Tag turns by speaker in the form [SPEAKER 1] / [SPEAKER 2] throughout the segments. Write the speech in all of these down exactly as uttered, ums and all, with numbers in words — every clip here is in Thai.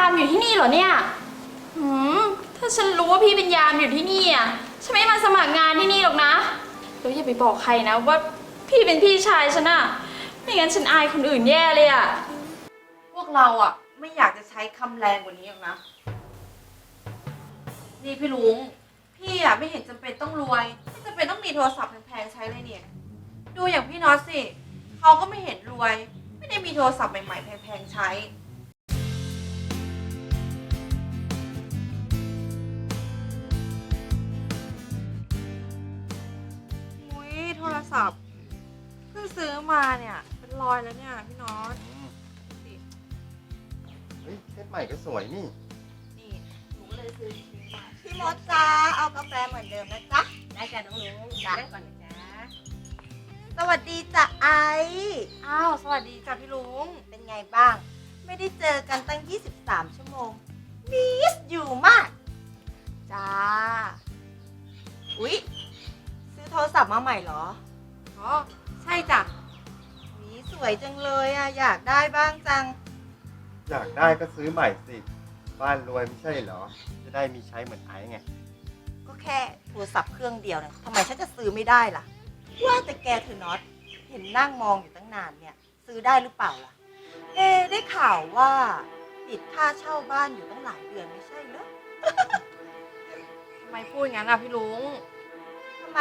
[SPEAKER 1] ามอยู่ที่นี่เหรอเนี่ยหืมถ้าฉันรู้ว่าพี่เป็นยามอยู่ที่นี่อ่ะฉันไม่มาสมัครงานที่นี่หรอกนะแล้วอย่าไปบอกใครนะว่าพี่เป็นพี่ชายฉันอะไม่งั้นฉันอายคนอื่นแย่เลยอะ
[SPEAKER 2] พวกเราอ่ะไม่อยากจะใช้คำแรงกว่านี้หรอกนะนี่พี่ลุงพี่อ่ะไม่เห็นจำเป็นต้องรวยไม่จำเป็นต้องมีโทรศัพท์แพงๆใช้เลยเนี่ยดูอย่างพี่น็อตสิเขาก็ไม่เห็นรวยไม่ได้มีโทรศัพท์ใหม่ๆแพงๆใช้อุ้ยโทรศัพท์เพิ่งซื้อมาเนี่ยเป็นรอยแล้วเนี่ยพี่น็อตสิ
[SPEAKER 3] เฮ้ยเซตใหม่ก็สวยนี่
[SPEAKER 2] นี่หนูก็เลยซื้อซื้อมา
[SPEAKER 4] พี่มดจ้าเอากาแฟเหมือนเดิมนะจ๊ะ
[SPEAKER 2] ได้จ้ะน้องลุงนั่งก่อนนะจ๊ะ
[SPEAKER 4] สวัสดีจ้ะไอ
[SPEAKER 2] อ้าวสวัสดีจ้ะพี่ลุง
[SPEAKER 4] เป็นไงบ้าง ไม่ได้เจอกันตั้งยี่สิบสามชั่วโมงมิสอยู่มาก จ้า อุ๊ย ซื้อโทรศัพท์มาใหม่เหรอ
[SPEAKER 2] อ๋อใช่จ้ะ
[SPEAKER 4] หวีสวยจังเลยอ่ะ อยากได้บ้างจัง
[SPEAKER 3] อยากได้ก็ซื้อใหม่สิ บ้านรวยไม่ใช่เหรอ จะได้มีใช้เหมือนไอ้ไง
[SPEAKER 4] ก็แค่โทรศัพท์เครื่องเดียวเนี่ยทำไมฉันจะซื้อไม่ได้ล่ะ ว่าแต่แกเธอน็อต เห็นนั่งมองอยู่ตั้งนานเนี่ย ซื้อได้หรือเปล่าล่ะ เอ๊ะได้ข่าวว่าติดค่าเช่าบ้านอยู่ตั้งหลายเดือนไม่ใช่เหรอ
[SPEAKER 2] ทำไมพูดอย่างนั้นอ่ะพี่ลุง
[SPEAKER 4] ทำไม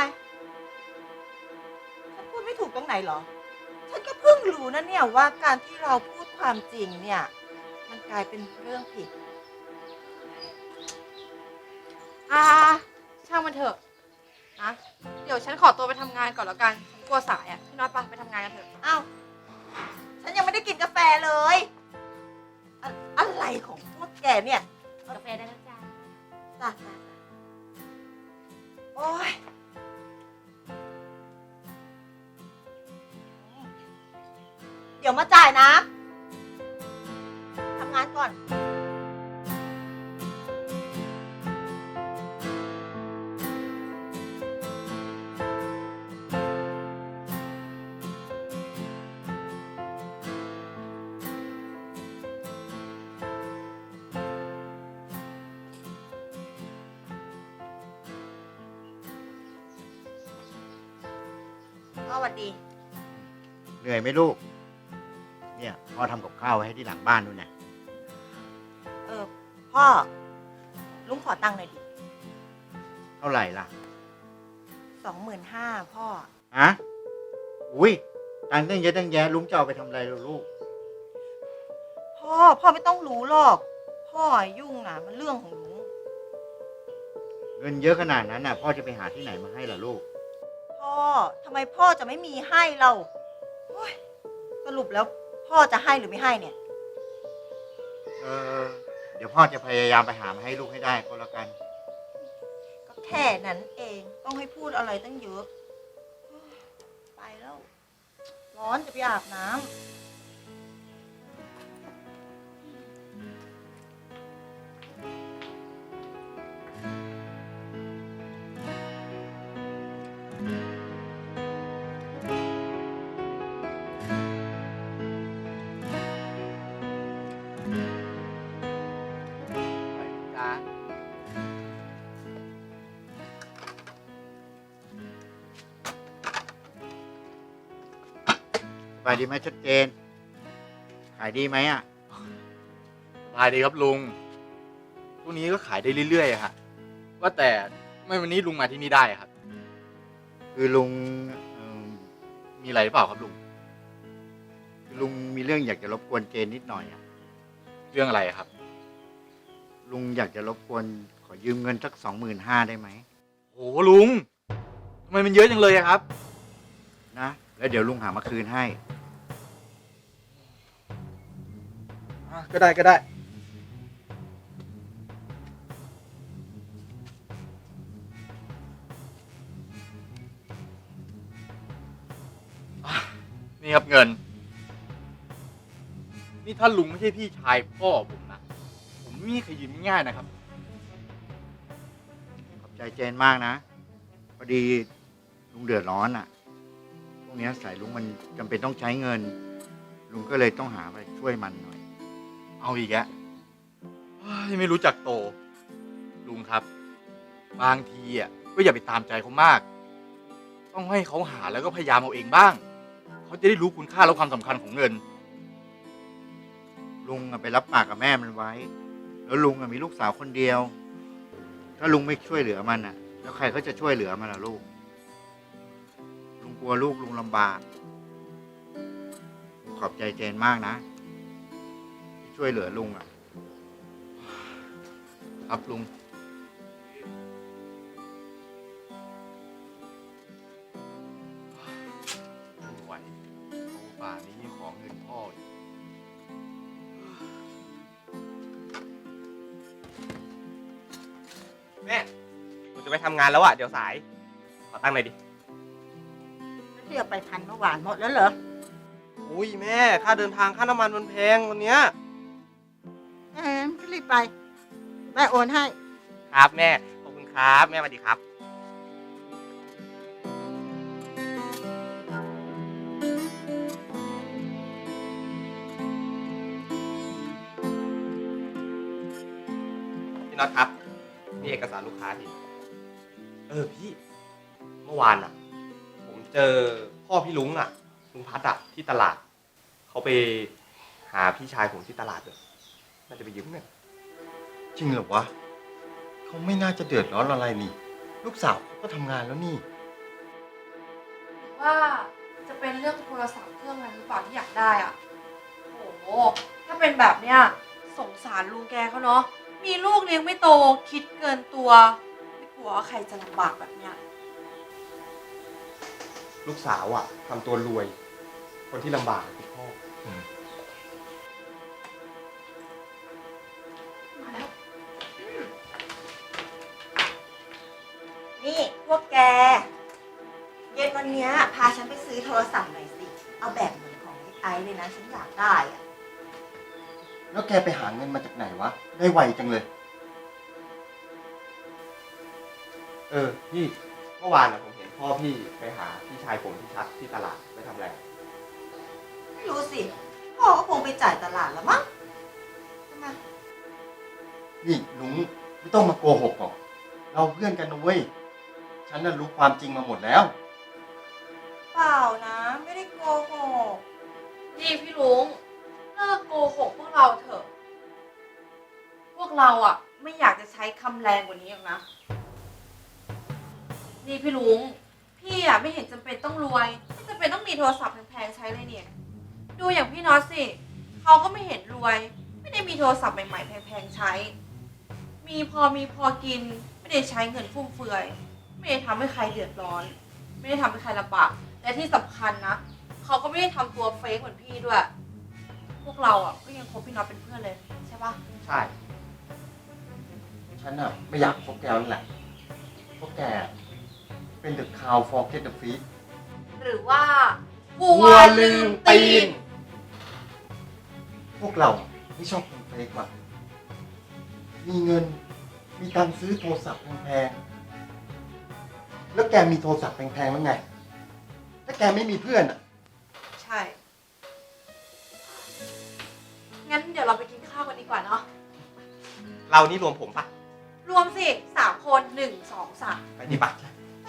[SPEAKER 4] ฉันพูดไม่ถูกตรงไหนเหรอ ฉันก็เพิ่งรู้นะเนี่ยว่าการที่เราพูดความจริงเนี่ย มันกลายเป็นเรื่องผิด
[SPEAKER 2] อ่าช่างมันเถอะนะเดี๋ยวฉันขอตัวไปทำงานก่อนแล้วกันฉันกลัวสายอ่ะพี่น็อตไปไปทำงานกันเถอะ
[SPEAKER 4] เอ้า ฉันยังไม่ได้กินกาแฟเลยอะอะไรของพวกแกเนี่ย
[SPEAKER 2] กาแฟได้แล้วจ้า
[SPEAKER 4] จ้ะจ้ะจ้ะโอ๊ย เดี๋ยวมาจ่ายนะ ทำงานก่อน สวัสดี
[SPEAKER 5] เหนื่อยไหมลูก เนี่ยพ่อทำกับข้าวไว้ให้ที่หลังบ้านนู่นน่ะ
[SPEAKER 4] เออ พ่อ ลุงขอตังค์หน่อยดิ
[SPEAKER 5] เท่าไหร่ล่ะ
[SPEAKER 4] สองหมื่นห้าพ่อ
[SPEAKER 5] ฮะ อุ้ยตังค์ตั้งเยอะตั้งแยะลุงจะเอาไปทำอะไรล่ะลูก
[SPEAKER 4] พ่อ พ่อไม่ต้องรู้หรอก พ่อยุ่งอ่ะ มันเรื่องของลุง
[SPEAKER 5] เงินเยอะขนาดนั้นน่ะ พ่อจะไปหาที่ไหนมาให้ล่ะลูก
[SPEAKER 4] พ่อ ทำไมพ่อจะไม่มีให้เราโอ๊ยสรุปแล้วพ่อจะให้หรือไม่ให้เนี่ย
[SPEAKER 5] เออ เดี๋ยวพ่อจะพยายามไปหามาให้ลูกให้ได้ก็แล้วกัน
[SPEAKER 4] ก็แค่นั้นเอง ต้องให้พูดอะไรตั้งเยอะ ไปแล้ว ร้อนจะไปอาบน้ำ
[SPEAKER 5] จ้าสบายดีไหมชัดเจน ขายดีไหมอ่ะ
[SPEAKER 6] สบายดีครับลุงพวกนี้ก็ขายได้เรื่อยๆอะฮะว่าแต่ทำไมวันนี้ลุงมาที่นี่ได้อะครับ
[SPEAKER 5] คือลุงเอิ่ม
[SPEAKER 6] มีอะไรหรือเปล่าครับลุง
[SPEAKER 5] คือลุงมีเรื่องอยากจะรบกวนเจนนิดหน่อยอ่ะ
[SPEAKER 6] เรื่องอะไรอะครับ
[SPEAKER 5] ลุงอยากจะรบกวนขอยืมเงินสักสองหมื่นห้าได้ไหม
[SPEAKER 6] โหลุงทำไมมันเยอะจังเลยอะครับ
[SPEAKER 5] นะ แล้วเดี๋ยวลุงหามาคืนให้
[SPEAKER 6] อ่ะก็ได้ก็ได้อ่ะนี่ครับเงิน นี่ถ้าลุงไม่ใช่พี่ชายพ่อผมนะผมไม่มีใครยืมง่ายๆนะครับ
[SPEAKER 5] ขอบใจเจนมากนะ พอดีลุงเดือดร้อนอ่ะพวกเนี้ยสายลุงมันจำเป็นต้องใช้เงิน ลุงก็เลยต้องหาไปช่วยมันหน่อย
[SPEAKER 6] เอาอีกแล้วเฮ้ยไม่รู้จักโต ลุงครับ บางทีอ่ะก็อย่าไปตามใจเขามาก ต้องให้เขาหาแล้วก็พยายามเอาเองบ้าง เขาจะได้รู้คุณค่าและความสำคัญของเงิน
[SPEAKER 5] ลุงอะไปรับปากกับแม่มันไว้ แล้วลุงอะมีลูกสาวคนเดียว ถ้าลุงไม่ช่วยเหลือมันอะแล้วใครเขาจะช่วยเหลือมันล่ะลูก ลุงกลัวลูกลุงลำบากขอบใจเจนมากนะที่ช่วยเหลือลุงอะ
[SPEAKER 6] ครับลุง ไม่ไหวเขาป่านนี้ขอเงินพ่ออีก
[SPEAKER 7] แม่ผมจะไปทำงานแล้วอะเดี๋ยวสาย ขอตั้งหน่อยดิ
[SPEAKER 4] เที่ยวไปพันเมื่อวานหมดแล้วเหรอ
[SPEAKER 7] อุ้ยแม่ ค่าเดินทางค่าน้ำมันมันแพงวันเนี้ย
[SPEAKER 4] เออก็รีบไป แม่โอนให้
[SPEAKER 7] ครับแม่ ขอบคุณครับแม่สวัสดีครับ พี่น็อตครับนี่เอกสารลูกค้าพี่ เออพี่ เมื่อวานอ่ะ ผมเจอพ่อพี่ลุงอ่ะ ลุงพัดอ่ะที่ตลาด เขาไปหาพี่ชายผมที่ตลาดเลยน่าจะไปยืมเงิน
[SPEAKER 3] จริงเหรอวะเขาไม่น่าจะเดือดร้อนอะไรนี่ ลูกสาวเขาก็ทำงานแล้วนี่
[SPEAKER 2] ว่าจะเป็นเรื่องโทรศัพท์เครื่องนั้นหรือเปล่าที่อยากได้อ่ะโอ้โหถ้าเป็นแบบเนี้ยสงสารลุงแกเขาเนาะมีลูกเลี้ยงไม่โตคิดเกินตัวไม่กลัวว่าใครจะลำบากแบบเนี้ย
[SPEAKER 7] ลูกสาวอ่ะทำตัวรวย คนที่ลำบากคือพ่อ
[SPEAKER 2] มาแล้ว
[SPEAKER 4] นี่พวกแก เย็นวันเนี้ยพาฉันไปซื้อโทรศัพท์หน่อยสิ เอาแบบเหมือนของไอ้ไอซ์เลยนะ ฉันอยากได้อะ
[SPEAKER 3] แล้วแกไปหาเงินมาจากไหนวะ ได้ไวจังเลย
[SPEAKER 7] เออพี่เมื่อวานอ่ะผมเห็นพ่อพี่ไปหาพี่ชายผมที่ชัดที่ตลาดไปทำอะไร
[SPEAKER 4] ไม่รู้สิ พ่อก็คงไปจ่ายตลาดแล้วมั้งทำไม
[SPEAKER 3] นี่ลุงไม่ต้องมาโกหกหรอก เราเพื่อนกันนะเว้ย ฉันน่ะรู้ความจริงมาหมดแล้ว
[SPEAKER 4] เปล่านะ ไม่ได้โกหก
[SPEAKER 2] นี่พี่ลุงเลิกโกหกพวกเราเถอะ พวกเราอ่ะ ไม่อยากจะใช้คำแรงกว่านี้หรอกนะ นี่พี่ลุงพี่อ่ะไม่เห็นจำเป็นต้องรวยไม่จำเป็นต้องมีโทรศัพท์แพงๆใช้เลยเนี่ย ดูอย่างพี่น็อตสิเขาก็ไม่เห็นรวย ไม่ได้มีโทรศัพท์ใหม่ๆแพงๆใช้ มีพอมีพอกินไม่ได้ใช้เงินฟุ่มเฟือย ไม่ได้ทำให้ใครเดือดร้อน ไม่ได้ทำให้ใครลำบากและที่สำคัญนะเขาก็ไม่ได้ทำตัวเฟกเหมือนพี่ด้วย พวกเราอ่ะก็ยังคบพี่น็อตเป็นเพื่อนเลยใช่ปะ
[SPEAKER 7] ใช่
[SPEAKER 3] ฉันน่ะไม่อยากคบแกนั่นแหละเพราะแกเป็นเดอะคาวฟอร์เกตเดอะฟีด
[SPEAKER 2] หรือว่าวั
[SPEAKER 7] วั
[SPEAKER 2] ว
[SPEAKER 7] ว
[SPEAKER 2] ลื
[SPEAKER 7] ลื
[SPEAKER 2] ม
[SPEAKER 7] ม
[SPEAKER 2] ตี
[SPEAKER 7] ตี
[SPEAKER 2] น
[SPEAKER 7] น
[SPEAKER 3] พวกเราไม่ชอบคนเฟกว่ะ มีเงิน มีตังค์ซื้อโทรศัพท์แพงๆ แล้วแกมีโทรศัพท์แพงๆแล้วไง ถ้าแกไม่มีเพื่อนอ่ะ
[SPEAKER 2] ใช่ งั้นเดี๋ยวเราไปกินข้าวกันดีกว่าเนาะ
[SPEAKER 7] เรานี่รวมผมปะ
[SPEAKER 2] รวมสิสามคนหนึ่งสองสาม
[SPEAKER 7] ไปดีปะ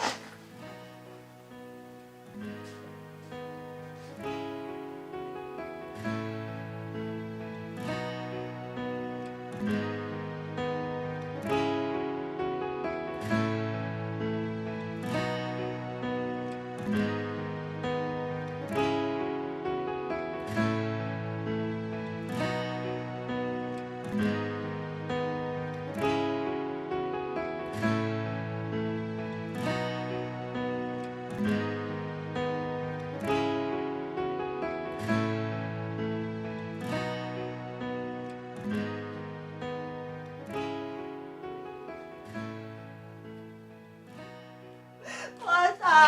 [SPEAKER 4] พ่อจ๋า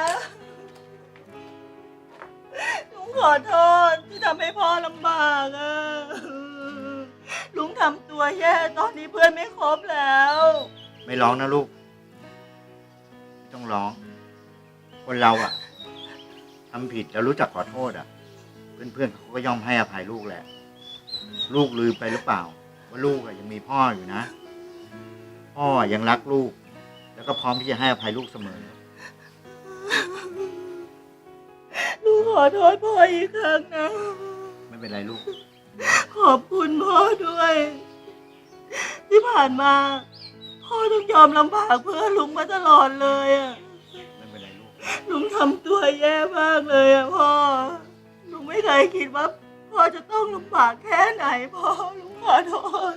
[SPEAKER 4] ลุงขอโทษที่ทำให้พ่อลำบากอะลุงทำตัวแย่ตอนนี้เพื่อนไม่ครบแล้ว
[SPEAKER 5] ไม่ร้องนะลูก ไม่ต้องร้อง คนเราอะทำผิดแล้วรู้จักขอโทษอะเพื่อนๆเขาก็ย่อมให้อภัยลูกแหละ ลูกลืมไปหรือเปล่าว่าลูกอะยังมีพ่ออยู่นะ พ่อยังรักลูก แล้วก็พร้อมที่จะให้อภัยลูกเสมอ
[SPEAKER 4] ลูกขอโทษพ่ออีกครั้งนะ
[SPEAKER 5] ไม่เป็นไรลูก
[SPEAKER 4] ขอบคุณพ่อด้วย ที่ผ่านมา พ่อต้องยอมลำบากเพื่อลุงมาตลอดเลยอะ
[SPEAKER 5] ไม่เป็นไรลูก
[SPEAKER 4] ลุงทำตัวแย่มากเลยอะพ่อ ลุงไม่เคยคิดว่าพ่อจะต้องลำบากแค่ไหนพ่อ ลุงขอโทษ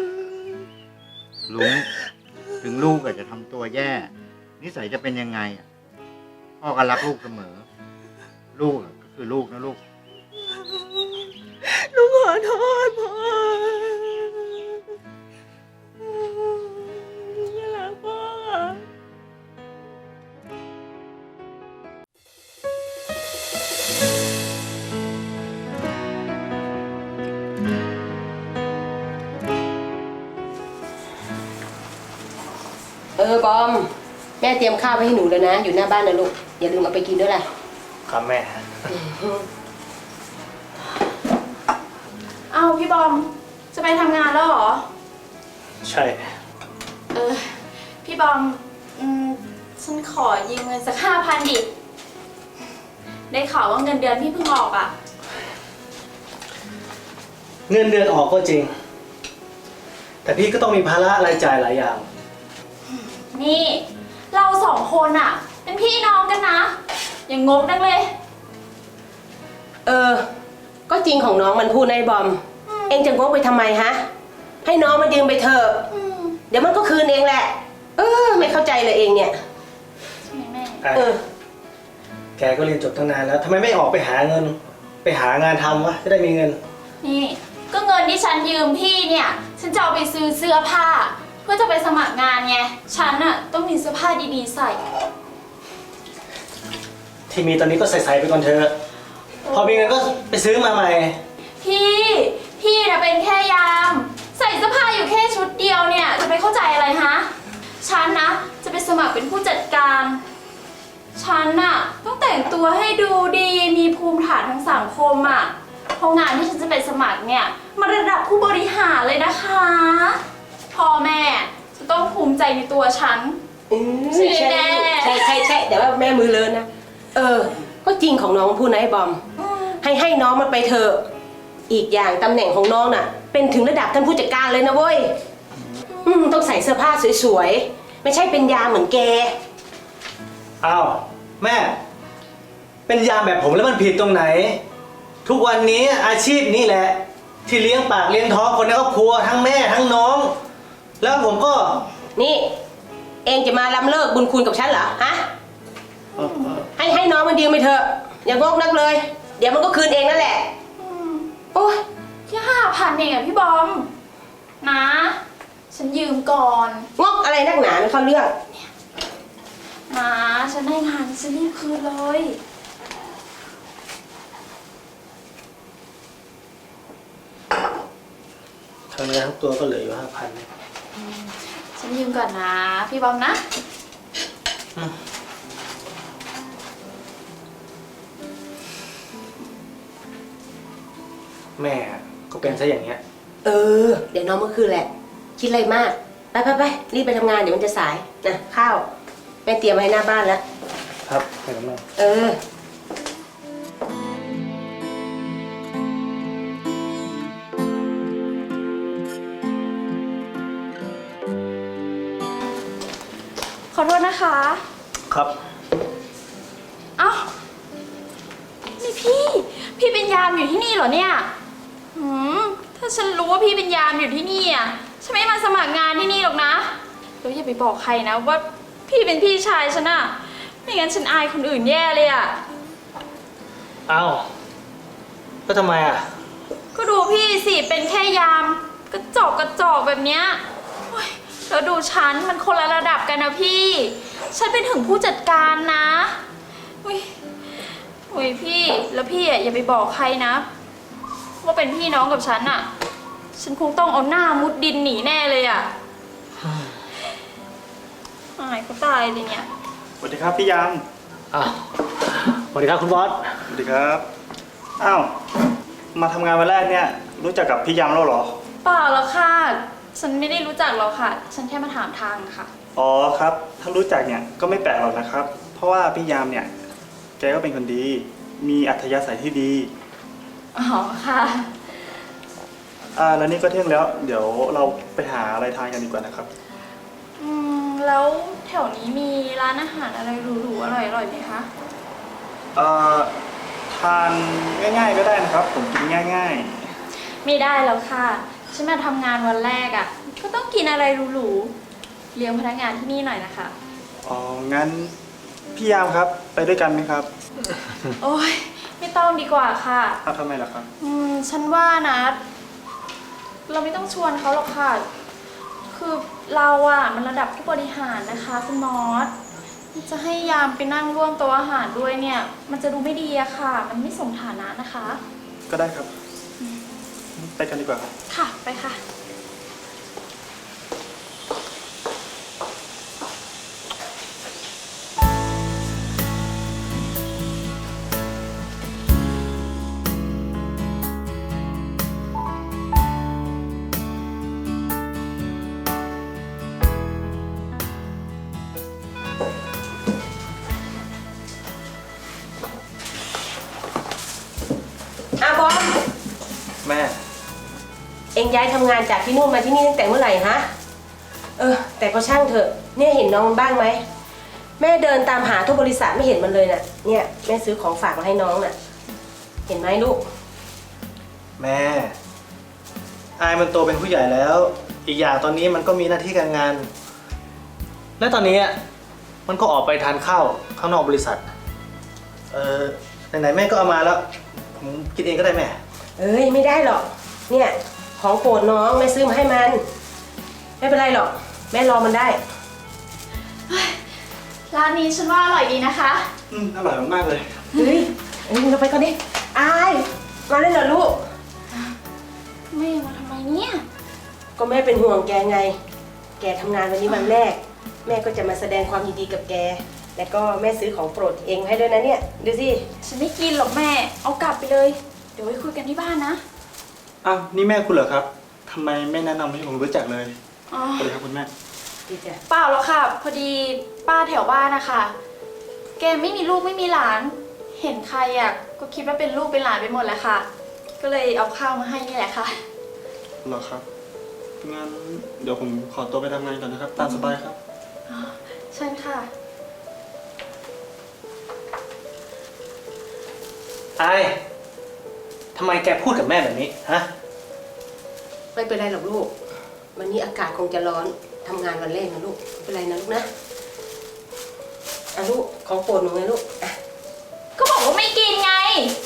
[SPEAKER 5] ลุงถึงลูกอาจจะทำตัวแย่ นิสัยจะเป็นยังไงอะพ่อก็รักลูกเสมอ ลูกอะก็คือลูกนะลูก
[SPEAKER 4] ลุงขอโทษพ่อลุงไม่รักพ่อ
[SPEAKER 8] เออบอม แม่เตรียมข้าวไว้ให้หนูแล้วนะ อยู่หน้าบ้านนะลูก อย่าลืมเอาไปกินด้วยล่ะ
[SPEAKER 7] ครับแม่
[SPEAKER 1] เอ้าพี่บอม จะไปทำงานแล้วเหรอ
[SPEAKER 7] ใช่
[SPEAKER 1] เออ พี่บอม อืม ฉันขอยืมเงินสักห้าพันดิ ได้ข่าวว่าเงินเดือนพี่เพิ่งออกอะ
[SPEAKER 9] เงินเดือนออกก็จริง แต่พี่ก็ต้องมีภาระรายจ่ายหลายอย่าง
[SPEAKER 1] นี่ เราสองคนอะเป็นพี่น้องกันนะ อย่างงกนักเลย
[SPEAKER 8] เออ ก็จริงของน้องมันพูดนายบอม เองจะงกไปทำไมฮะ ให้น้องมันยืมไปเถอะ
[SPEAKER 1] อืม
[SPEAKER 8] เดี๋ยวมันก็คืนเองแหละ เออ ไม่เข้าใจเลยเองเนี่ย
[SPEAKER 1] ใช่ไหมแม่
[SPEAKER 8] เออ
[SPEAKER 9] แกก็เรียนจบตั้งนานแล้วทำไมไม่ออกไปหาเงิน ไปหางานทำวะจะได้มีเงิน
[SPEAKER 1] นี่ ก็เงินที่ฉันยืมพี่เนี่ย ฉันจะเอาไปซื้อเสื้อผ้า เพื่อจะไปสมัครงานไง ฉันอะต้องมีเสื้อผ้าดีๆใส่
[SPEAKER 9] ที่มีตอนนี้ก็ใส่ๆไปก่อนเถอะพอมีเงินก็ไปซื้อมาใหม่
[SPEAKER 1] พี่ พี่นะเป็นแค่ยาม ใส่เสื้อผ้าอยู่แค่ชุดเดียวเนี่ย จะไปเข้าใจอะไรฮะ ฉันนะจะไปสมัครเป็นผู้จัดการ ฉันน่ะต้องแต่งตัวให้ดูดี มีภูมิฐานทางสังคมอ่ะเพราะงานที่ฉันจะไปสมัครเนี่ยมันระดับผู้บริหารเลยนะคะ พ่อแม่จะต้องภูมิใจในตัวฉัน
[SPEAKER 8] อืม
[SPEAKER 1] ใช่
[SPEAKER 8] ใช่
[SPEAKER 1] แน่
[SPEAKER 8] ใช่ใช่ใช่แต่ว่าแม่มือเลนนะ เออ ก็จริงของน้องพูดนะไอ้บอม ให้ให้น้องมันไปเถอะ อีกอย่างตำแหน่งของน้องน่ะ เป็นถึงระดับท่านผู้จัดการเลยนะเว้ย อืมต้องใส่เสื้อผ้าสวยๆ ไม่ใช่เป็นยามเหมือนแก
[SPEAKER 9] อ้าวแม่ เป็นยามแบบผมแล้วมันผิดตรงไหน ทุกวันนี้อาชีพนี้แหละ ที่เลี้ยงปากเลี้ยงท้องคนในครอบครัวทั้งแม่ทั้งน้อง แล้วผมก็
[SPEAKER 8] นี่ เองจะมาล้ำเลิกบุญคุณกับฉันเหรอ ฮะ ให้ให้น้องมันยืมไปเถอะ อย่างกนักเลย เดี๋ยวมันก็คืนเองนั่นแหละ โอ้ย
[SPEAKER 1] แค่ห้าพันเองอะพี่บอม นะ ฉันยืมก่อน
[SPEAKER 8] งกอะไรนักหนาไม่เข้าเรื่อง
[SPEAKER 1] นะฉันได้งานฉันรีบคืนเลย
[SPEAKER 9] ทั้งเนื้อทั้งตัวก็เหลืออยู่ห้าพัน
[SPEAKER 1] ฉันยืมก่อนนะ พี่บอมนะ
[SPEAKER 9] แม่ก็เป็นซะอย่างเงี้ย
[SPEAKER 8] เออ เดี๋ยวน้องเมื่อคืนแหละ คิดอะไรมาก ไปไปไปรีบไปทำงานเดี๋ยวมันจะสาย นะ ข้าว แม่เตรียมไว้ให้หน้าบ้านแล้ว
[SPEAKER 9] ครับไปกับแม่
[SPEAKER 8] เออ
[SPEAKER 1] ขอโทษนะคะ
[SPEAKER 9] ครับ
[SPEAKER 1] เอ้า นี่พี่ พี่เป็นยามอยู่ที่นี่เหรอเนี่ยหืมถ้าฉันรู้ว่าพี่เป็นยามอยู่ที่นี่อ่ะ ฉันไม่มาสมัครงานที่นี่หรอกนะแล้วอย่าไปบอกใครนะว่าพี่เป็นพี่ชายฉันอะไม่งั้นฉันอายคนอื่นแย่เลยอะ
[SPEAKER 9] เอ้าก็ทำไมอ่ะ
[SPEAKER 1] ก็ดูพี่สิ เป็นแค่ยาม กระจอกกระจอกแบบเนี้ยโอ๊ยแล้วดูฉันมันคนละระดับกันนะพี่ ฉันเป็นถึงผู้จัดการนะอุ้ยอุ้ยพี่ แล้วพี่อะอย่าไปบอกใครนะ ว่าเป็นพี่น้องกับฉันอะฉันคงต้องเอาหน้ามุดดินหนีแน่เลยอะอายเขาตายเลยเนี่ย
[SPEAKER 10] สวัสดีครับพี่ยาม
[SPEAKER 9] อ้าวสวัสดีครับคุณบอส
[SPEAKER 10] สวัสดีครับ อ้าว มาทำงานวันแรกเนี่ย รู้จักกับพี่ยามแล้วเหรอ
[SPEAKER 8] เ
[SPEAKER 1] เปล่าแล้วค่ะ ฉันไม่ได้รู้จักหรอกค่ะ ฉันแค่มาถามทางค่ะ
[SPEAKER 10] อ๋อครับ ถ้ารู้จักเนี่ยก็ไม่แปลกหรอกนะครับ เพราะว่าพี่ยามเนี่ย แกก็เป็นคนดี มีอัธยาศัยที่ดี
[SPEAKER 1] อ๋อค่ะ
[SPEAKER 10] อ่าแล้วนี่ก็เที่ยงแล้ว เดี๋ยวเราไปหาอะไรทานกันดีกว่านะครับ
[SPEAKER 1] อืม แล้วแถวนี้มีร้านอาหารอะไรหรูๆอร่อยๆไหมคะ
[SPEAKER 10] เอ่อทานง่ายๆก็ได้นะครับ ผมกินง่าย
[SPEAKER 1] ไม่ได้แล้วค่ะ ฉันมาทำงานวันแรกอะ่ะ ก็ต้องกินอะไรหรูๆเลี้ยงพนักงานที่นี่หน่อยนะคะ
[SPEAKER 10] ๆ อ๋อ งั้นพี่ยามครับ ไปด้วยกันไหมครับ
[SPEAKER 1] โอ้ยไม่ต้องดีกว่าค่ะ
[SPEAKER 10] ครับทำไมล่ะครับ
[SPEAKER 1] อืม ฉันว่านะ เราไม่ต้องชวนเขาหรอกค่ะ คือเราอะมันระดับผู้บริหารนะคะคุณมอสจะให้ยามไปนั่งร่วมโต๊ะอาหารด้วยเนี่ย มันจะดูไม่ดีอะค่ะ มันไม่สมฐานะนะคะ
[SPEAKER 10] ก็ได้ครับ ไปกันดีกว่าครับ
[SPEAKER 1] ค่ะ ไปค่ะ
[SPEAKER 8] อาบอม
[SPEAKER 10] แม่
[SPEAKER 8] เอ็งย้ายทำงานจากที่นู่นมาที่นี่ตั้งแต่เมื่อไหร่ฮะ เออ แต่ก็ช่างเถอะ เนี่ยเห็นน้องมันบ้างไหม แม่เดินตามหาทั่วบริษัทไม่เห็นมันเลยน่ะ เนี่ยแม่ซื้อของฝากมาให้น้องน่ะ เห็นไหมลูก
[SPEAKER 9] แม่ อายมันโตเป็นผู้ใหญ่แล้ว อีกอย่างตอนนี้มันก็มีหน้าที่การงาน และตอนนี้มันก็ออกไปทานข้าวข้างนอกบริษัท เออไหนๆแม่ก็เอามาแล้ว ผมกินเองก็ได้แม่
[SPEAKER 8] เอ้ยไม่ได้หรอก เนี่ยของโปรดน้องแม่ซื้อมาให้มัน ไม่เป็นไรหรอก แม่รอมันได้
[SPEAKER 1] ร้านนี้ฉันว่าอร่อยดีนะคะ
[SPEAKER 10] อืมอร่อยมากๆเลย
[SPEAKER 8] เฮ้ยเอ้ยเราไปก่อนดิอายมาเลยเหรอลูก
[SPEAKER 1] แม่มาทำไมเนี่ย
[SPEAKER 8] ก็แม่เป็นห่วงแกไง แกทำงานวันนี้วันแรก แม่ก็จะมาแสดงความยินดีกับแก แล้วก็แม่ซื้อของโปรดเองให้ด้วยนะเนี่ย ดูสิ
[SPEAKER 1] ฉันไม่กินหรอกแม่ เอากลับไปเลย เดี๋ยวไว้คุยกันที่บ้านนะ
[SPEAKER 10] อ้าว นี่แม่คุณเหรอครับ ทำไมไม่แนะนำให้ผมรู้จักเลย
[SPEAKER 1] อ๋อ
[SPEAKER 10] สวัสดีครับคุณแม่
[SPEAKER 8] ดีจ้ะ
[SPEAKER 1] เปล่าหรอกค่ะ พอดีป้าแถวบ้านนะคะ แกไม่มีลูกไม่มีหลาน เห็นใครอ่ะก็คิดว่าเป็นลูกเป็นหลานไปหมดแหละค่ะ ก็เลยเอาข้าวมาให้นี่แหละค่ะ
[SPEAKER 10] เหรอครับ งั้นเดี๋ยวผมขอตัวไปทำงานก่อนนะครับ ตามสบายครับ
[SPEAKER 1] เชิญค่ะ
[SPEAKER 9] อายทำไมแกพูดกับแม่แบบนี้ฮะ
[SPEAKER 8] ไม่เป็นไรหรอกลูก วันนี้อากาศคงจะร้อนทำงานวันแรกนะลูกไม่เป็นไรนะลูกนะอ่ะลูกของโปรดหนูไงลูกอ่ะ
[SPEAKER 1] ก็บอกว่าไม่กินไง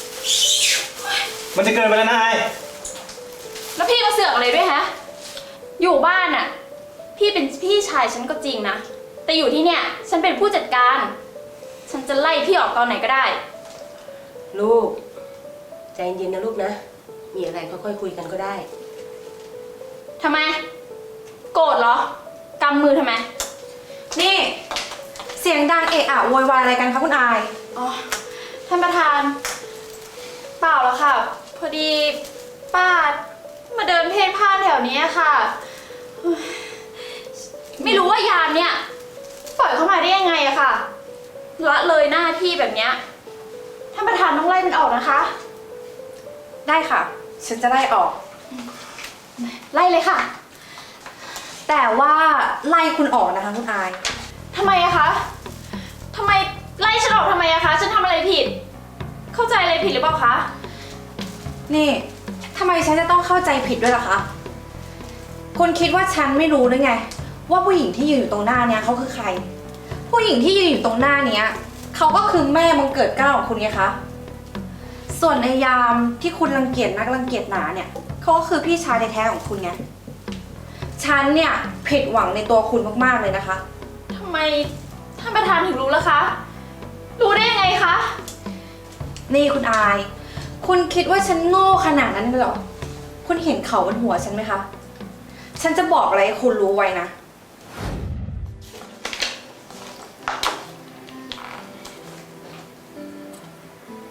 [SPEAKER 9] มันจะเกินไปแล้วนะอาย
[SPEAKER 1] แล้วพี่มาเสือกอะไรด้วยฮะ อยู่บ้านอ่ะ พี่เป็นพี่ชายฉันก็จริงนะ แต่อยู่ที่เนี่ย ฉันเป็นผู้จัดการ ฉันจะไล่พี่ออกตอนไหนก็ได้
[SPEAKER 8] ลูก ใจเย็นๆนะลูกนะ มีอะไรค่อยๆคุยกันก็ได้
[SPEAKER 1] ทำไม โกรธเหรอกำมือทำไม
[SPEAKER 2] นี่ เสียงดังเอะอะโวยวายอะไรกันคะคุณอาย
[SPEAKER 1] อ๋อ ท่านประธาน เปล่าแล้วค่ะ พอดีป้ามาเดินเพ่นพ่านแถวนี้ค่ะเฮ้ยไม่รู้ว่ายามเนี่ย ปล่อยเข้ามาได้ยังไงอะค่ะละเลยหน้าที่แบบเนี้ยท่านประธานต้องไล่มันออกนะคะ
[SPEAKER 2] ได้ค่ะ ฉันจะไล่ออก
[SPEAKER 1] ไล่เลยค่ะ
[SPEAKER 2] แต่ว่าไล่คุณออกนะคะคุณอาย
[SPEAKER 1] ทำไมอะคะทำไมไล่ฉันออกทำไมอะคะ ฉันทำอะไรผิด เข้าใจอะไรผิดหรือเปล่าคะ
[SPEAKER 2] นี่ทำไมฉันจะต้องเข้าใจผิดด้วยล่ะคะ คุณคิดว่าฉันไม่รู้หรือไง ว่าผู้หญิงที่ยืนอยู่ตรงหน้าเนี้ยเขาคือใคร ผู้หญิงที่ยืนอยู่ตรงหน้าเนี้ยเขาก็คือแม่บังเกิดเกล้าของคุณไงคะ ส่วนในยามที่คุณรังเกียจนักรังเกียจหนาเนี่ยเขาก็คือพี่ชายแท้ๆของคุณไง ฉันเนี่ยผิดหวังในตัวคุณมากๆเลยนะคะ
[SPEAKER 1] ทำไมท่านประธานถึงรู้ล่ะคะ รู้ได้ยังไงคะ
[SPEAKER 2] นี่คุณอาย คุณคิดว่าฉันโง่ขนาดนั้นเลยเหรอ คุณเห็นเขาบนหัวฉันไหมคะ ฉันจะบอกอะไรให้คุณรู้ไว้นะ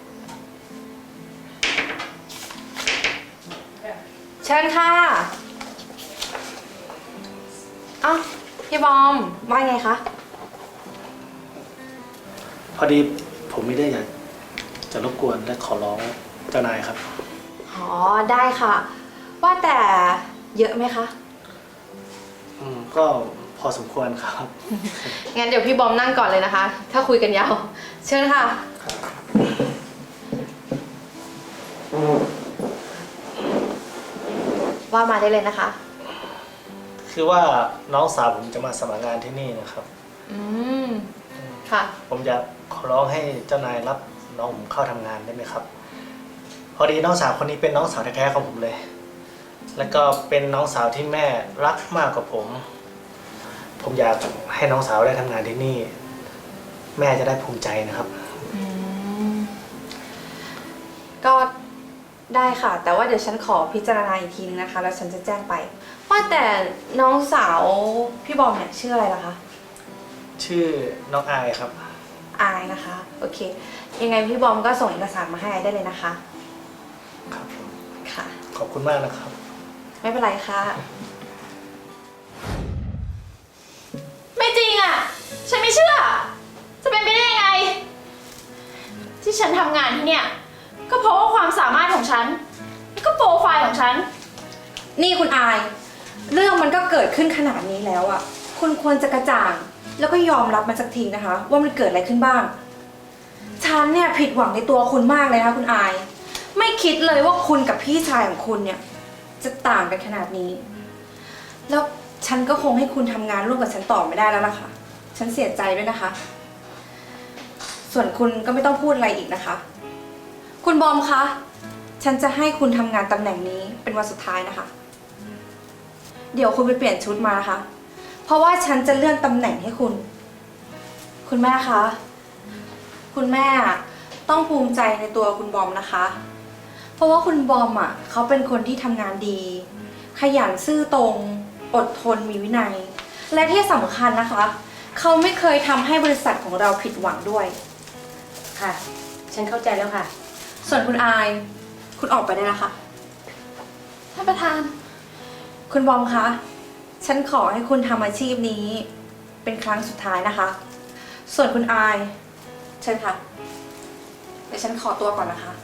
[SPEAKER 2] เชิญค่ะพี่บอมว่าไงคะ
[SPEAKER 9] พอดีผมมีเรื่องอยากจะรบกวนและขอร้องเจ้านายครับ
[SPEAKER 2] อ๋อ ได้ค่ะ ว่าแต่เยอะไหมคะ
[SPEAKER 9] อืมก็พอสมควรครับ
[SPEAKER 2] งั้นเดี๋ยวพี่บอมนั่งก่อนเลยนะคะ ถ้าคุยกันยาว เชิญค่ะ ว่ามาได้เลยนะคะ
[SPEAKER 9] คือว่าน้องสาวผมจะมาสมัครงานที่นี่นะครับ
[SPEAKER 2] อืม ค่ะ
[SPEAKER 9] ผมอยากขอร้องให้เจ้านายรับน้องผมเข้าทำงานได้ไหมครับ พอดีน้องสาวคนนี้เป็นน้องสาวแท้ๆของผมเลย แล้วก็เป็นน้องสาวที่แม่รักมากกว่าผม ผมอยากให้น้องสาวได้ทำงานที่นี่ แม่จะได้ภูมิใจนะครับ
[SPEAKER 2] อืม ก็ได้ค่ะ แต่ว่าเดี๋ยวฉันขอพิจารณาอีกทีนึงนะคะ แล้วฉันจะแจ้งไป ว่าแต่น้องสาวพี่บอมเนี่ยชื่ออะไรล่ะคะ
[SPEAKER 9] ชื่อน้องอายครับ
[SPEAKER 2] อายนะคะ โอเค ยังไงพี่บอมก็ส่งเอกสารมาให้อายได้เลยนะคะ
[SPEAKER 9] ครับผม
[SPEAKER 2] ค่ะ
[SPEAKER 9] ขอบคุณมากนะครับ
[SPEAKER 2] ไม่เป็นไรค่ะ
[SPEAKER 1] ไม่จริงอ่ะ ฉันไม่เชื่อ จะเป็นไปได้ยังไง ที่ฉันทำงานที่เนี่ย ก็เพราะว่าความสามารถของฉัน แล้วก็โปรไฟล์ของฉัน
[SPEAKER 2] นี่คุณอาย เรื่องมันก็เกิดขึ้นขนาดนี้แล้วอ่ะ คุณควรจะกระจ่าง แล้วก็ยอมรับมันสักทีนะคะ ว่ามันเกิดอะไรขึ้นบ้าง ฉันเนี่ยผิดหวังในตัวคุณมากเลยนะคะคุณอาย ไม่คิดเลยว่าคุณกับพี่ชายของคุณเนี่ย จะต่างกันขนาดนี้ แล้วฉันก็คงให้คุณทำงานร่วมกับฉันต่อไม่ได้แล้วล่ะค่ะ ฉันเสียใจด้วยนะคะ ส่วนคุณก็ไม่ต้องพูดอะไรอีกนะคะ คุณบอมคะ ฉันจะให้คุณทำงานตำแหน่งนี้เป็นวันสุดท้ายนะคะ เดี๋ยวคุณไปเปลี่ยนชุดมานะคะ เพราะว่าฉันจะเลื่อนตำแหน่งให้คุณ คุณแม่คะ คุณแม่ต้องภูมิใจในตัวคุณบอมนะคะ เพราะว่าคุณบอมอ่ะเขาเป็นคนที่ทำงานดี ขยันซื่อตรง อดทนมีวินัย และที่สำคัญนะคะ เขาไม่เคยทำให้บริษัทของเราผิดหวังด้วย
[SPEAKER 8] ค่ะ ฉันเข้าใจแล้วค่ะ
[SPEAKER 2] ส่วนคุณอาย คุณออกไปได้แล้วค่ะ
[SPEAKER 1] ท่านประธาน
[SPEAKER 2] คุณบอมคะ ฉันขอให้คุณทำอาชีพนี้เป็นครั้งสุดท้ายนะคะ ส่วนคุณอาย เชิญค่ะ เดี๋ยวฉันขอตัวก่อนนะคะ